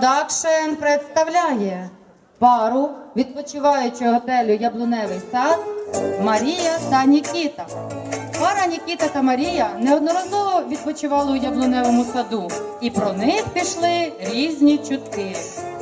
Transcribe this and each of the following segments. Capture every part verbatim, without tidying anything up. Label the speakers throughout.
Speaker 1: Продакшн представляє пару відпочиваючого готелю «Яблуневий сад» Марія та Нікіта. Пара Нікіта та Марія неодноразово відпочивали у Яблуневому саду, і про них пішли різні чутки.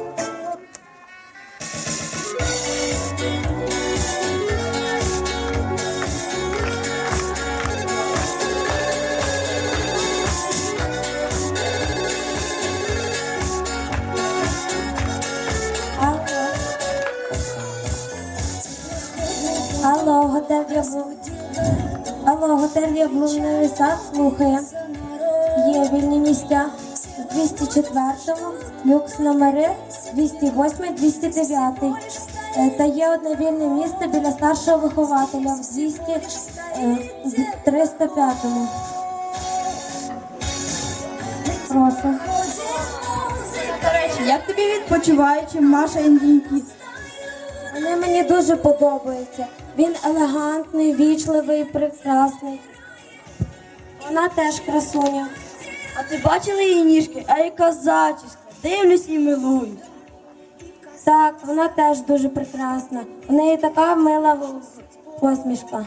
Speaker 2: Алло, готель Яблу... Алло, готель Яблуневий сад слухає. Є вільні місця з двісті четвертого, люкс номери двісті восьмий, двісті дев'ятий. Е, Та є одне вільне місце біля старшого вихователя в двісті, е, триста п'ятому. Прошу.
Speaker 3: До речі, як тобі відпочиваючи Маша і Нікіт?
Speaker 2: Вони мені дуже подобаються. Він елегантний, вічливий, прекрасний. Вона теж красуня.
Speaker 3: А ти бачила її ніжки? А яка зачіска? Дивлюсь і милуюсь.
Speaker 2: Так, вона теж дуже прекрасна. У неї така мила посмішка.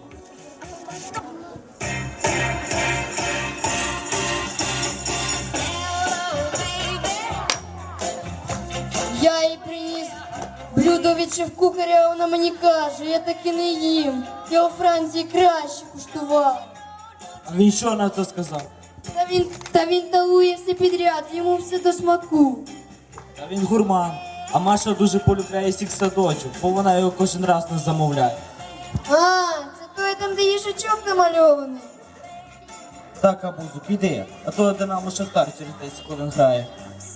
Speaker 4: Я їй приніс блюдо від шеф-кухаря, вона мені каже, я так і не їм. Я у Франції краще куштував.
Speaker 5: А він що на це сказав?
Speaker 4: Та він, та він талує все підряд, йому все до смаку.
Speaker 5: Та він гурман. А Маша дуже полюбляє сік садочок, бо вона його кожен раз не замовляє.
Speaker 4: А, це той там, де їжачок намальований.
Speaker 5: Так, Абузу, піди, а то Динамо Шахтар через десять хвилин грає.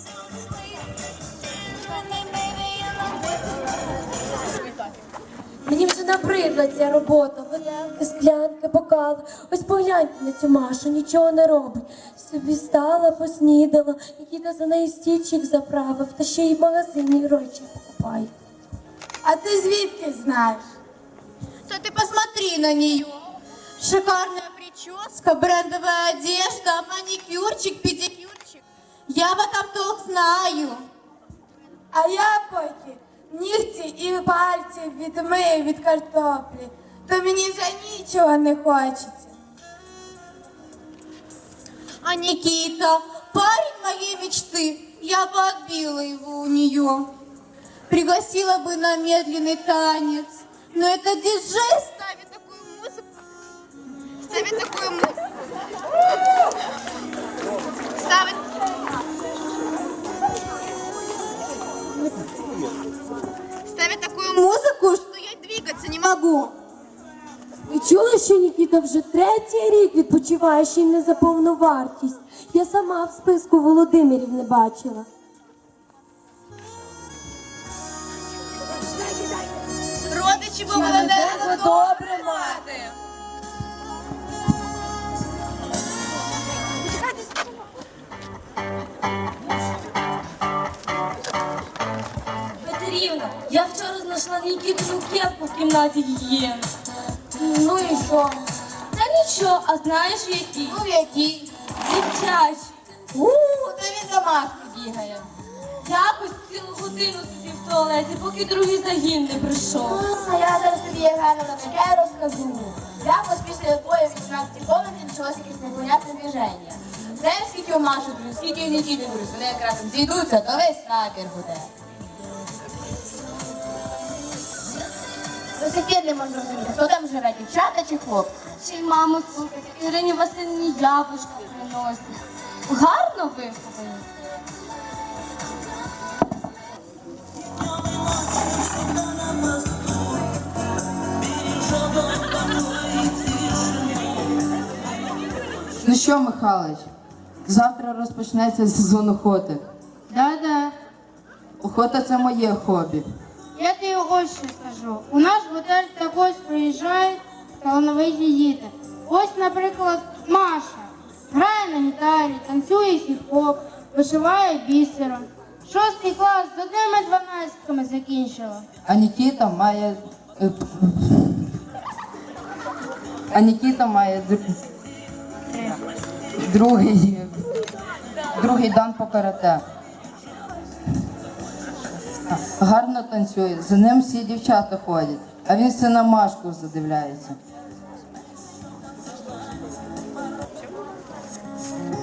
Speaker 2: Мені вже набридла ця робота. Виделки, склянки, бокали. Ось погляньте на цю Машу, нічого не робить. Собі стала, поснідала, Нікіта за нею стільчик заправив, та ще й в магазині речі покупає.
Speaker 6: А ты звідки знаешь? То ты посмотри на нее. Шикарная прическа, брендовая одежда, маникюрчик, педикюрчик. Я в этом толк знаю. А я поки нігті і пальці відмию від картоплі, то мені вже нічого не хочеться. А Никита, парень моей мечты, я бы отбила его у нее. Пригласила бы на медленный танец. Но это диджей ставит такую музыку. Ставит такую музыку. Ставит. Ставит такую музыку, что я двигаться не могу.
Speaker 2: Ви чули, що Нікіта вже третій рік відпочиває, ще й не за повну вартість? Я сама в списку Володимирів не бачила.
Speaker 6: Родичі би мене не добре мати.
Speaker 2: Петрівна, я вчора знайшла Нікітину кепку в кімнаті гігієни. Ну і що? Та нічого, а знаєш в якій?
Speaker 6: Ну який?
Speaker 2: Дівчачі.
Speaker 6: У, та він за маски бігає.
Speaker 2: Якось цілу годину сидів в туалеті, поки другий загін не прийшов.
Speaker 6: А я зараз тобі, Євгеновна, таке розкажу. Якось після твоєї вісімнадцятої комнати почалося якесь непонятне движення. Знаєш, скільки у Маші друзів, скільки у Нікіти друзів, вони якраз зійдуться, то весь табір буде. До сих пір не можу зрозуміти, хто там живе, дівчата чи хлопці?
Speaker 2: Ще й маму слухайте, Ірині Васильівні яблучко приносить. Гарно виховані.
Speaker 7: Ну що, Михайлович, завтра розпочнеться сезон охоти.
Speaker 8: Да-да,
Speaker 7: Охота – це моє хобі.
Speaker 8: я тобі ось що скажу. У наш готель також приїжджають талановиті діти. Ось, наприклад, Маша. Грає на гітарі, танцює хіп-хоп, вишиває бісером. Шостий клас з одними дванадцятками закінчила.
Speaker 7: А Нікіта має... е, А Нікіта має др- другий, другий дан по карате. Гарно танцює, за ним всі дівчата ходять, а він все на Машку задивляється.